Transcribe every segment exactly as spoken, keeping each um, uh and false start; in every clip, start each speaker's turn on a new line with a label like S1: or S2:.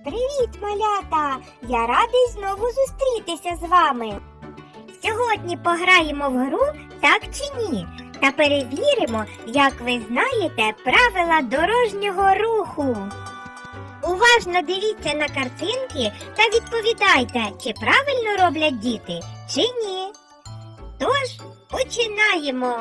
S1: Привіт, малята! Я радий знову зустрітися з вами. Сьогодні пограємо в гру «Так чи ні» та перевіримо, як ви знаєте правила дорожнього руху. Уважно дивіться на картинки та відповідайте, чи правильно роблять діти, чи ні. Тож, починаємо!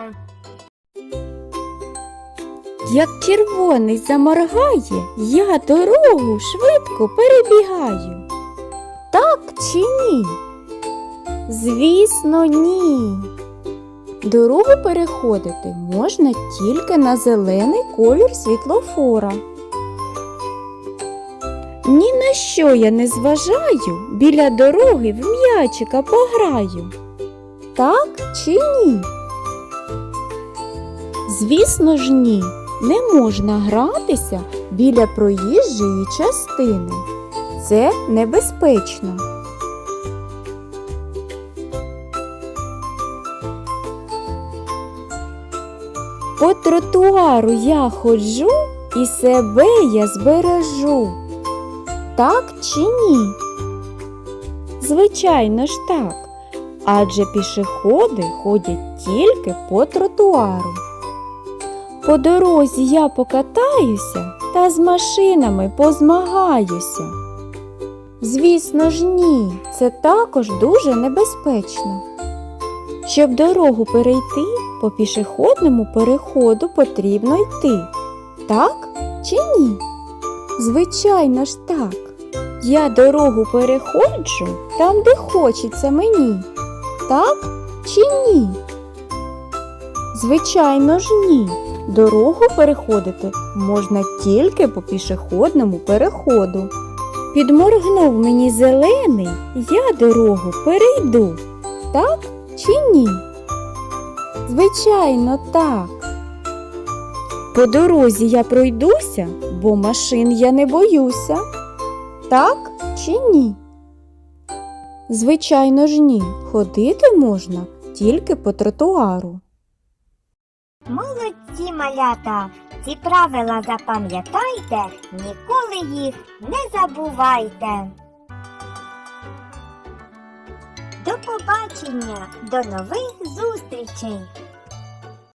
S2: Як червоний заморгає, я дорогу швидко перебігаю. Так чи ні? Звісно, ні. Дорогу переходити можна тільки на зелений колір світлофора. Ні на що я не зважаю, біля дороги в м'ячика пограю. Так чи ні? Звісно ж, ні. Не можна гратися біля проїжджої частини. Це небезпечно. По тротуару я ходжу і себе я збережу. Так чи ні? Звичайно ж так. Адже пішоходи ходять тільки по тротуару. По дорозі я покатаюся та з машинами позмагаюся. Звісно ж ні, це також дуже небезпечно. Щоб дорогу перейти, по пішохідному переходу потрібно йти. Так чи ні? Звичайно ж так. Я дорогу переходжу там, де хочеться мені. Так чи ні? Звичайно ж ні. Дорогу переходити можна тільки по пішохідному переходу. Підморгнув мені зелений, я дорогу перейду. Так чи ні? Звичайно, так. По дорозі я пройдуся, бо машин я не боюся. Так чи ні? Звичайно ж ні. Ходити можна тільки по тротуару.
S1: Молодці, малята! Ці правила запам'ятайте, ніколи їх не забувайте. До побачення, до нових зустрічей!